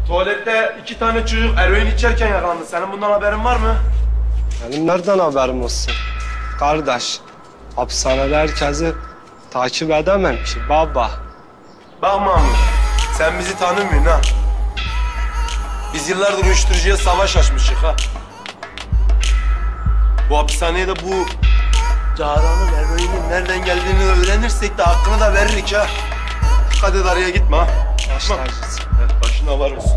Tuvalette 2 tane çocuk eroin içerken yakalandı. Senin bundan haberin var mı? Benim nereden haberim olsun? Kardeş, hapishanede herkesi takip edemem ki baba. Bak Mahmut, sen bizi tanımıyorsun ha. Biz yıllardır uyuşturucuya savaş açmışık ha. Bu hapishaneye de bu Cahra'nın eroinin nereden geldiğini öğrenirsek de hakkını da veririk ha. Dikkat et, araya gitme ha. Başlarcısın. Başına var olsun.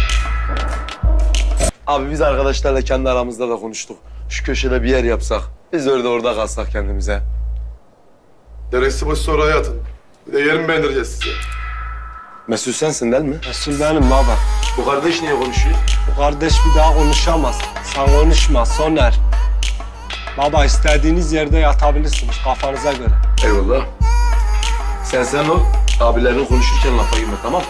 Abi biz arkadaşlarla kendi aramızda da konuştuk. Şu köşede bir yer yapsak, biz orada kalsak kendimize. Deresi boş sonra hayatın. Bir de yerimi beğendireceğiz size. Mesut sensin değil mi? Resul benim baba. Bu kardeş niye konuşuyor? Bu kardeş bir daha konuşamaz. Sen konuşma Soner. Baba istediğiniz yerde yatabilirsiniz kafanıza göre. Eyvallah. Sen ol. Abilerin konuşurken lafa girme, tamam?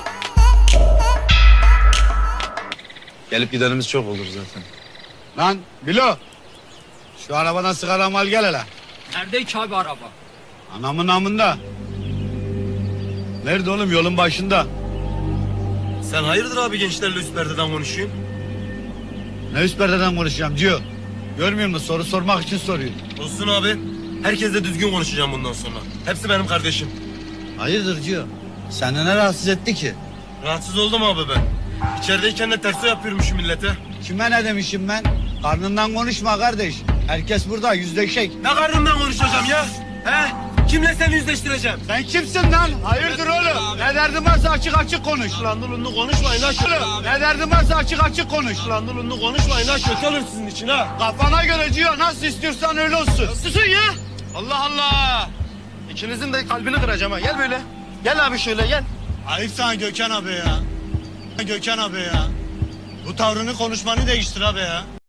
Gelip gidenimiz çok olur zaten. Lan Bilo. Şu arabadan sigara al gel hele. Nerede ki abi araba? Anamın namında. Nerede oğlum, yolun başında. Sen hayırdır abi gençlerle üst perdeden konuşuyorsun? Ne üst perdeden konuşacağım diyor. Görmüyor musun, soru sormak için soruyor. Olsun abi. Herkesle düzgün konuşacağım bundan sonra. Hepsi benim kardeşim. Hayırdır diyor. Seni ne rahatsız etti ki? Rahatsız oldum abi ben. İçerideyken de terso yapıyormuşum millete. Kime ne demişim ben? Karnından konuşma kardeş. Herkes burada yüzleşek. Ne karnımdan konuşacağım ya? He? Kimle seni yüzleştireceğim? Sen kimsin lan? Hayırdır oğlum? Ne derdin varsa açık açık konuş. Lan dulunlu konuşmayın ha kötü. Ne derdin varsa açık açık konuş. Lan dulunlu konuşmayın ha kötü olur sizin için ha. Kafana göre diyor, nasıl istiyorsan öyle olsun. Susun ya. Allah Allah. İkinizin de kalbini kıracağım ha. Gel böyle. Gel abi şöyle gel. Ayıp sana Gökhan abi ya. Gökhan abi ya. Bu tavrını, konuşmanı değiştir abi ya.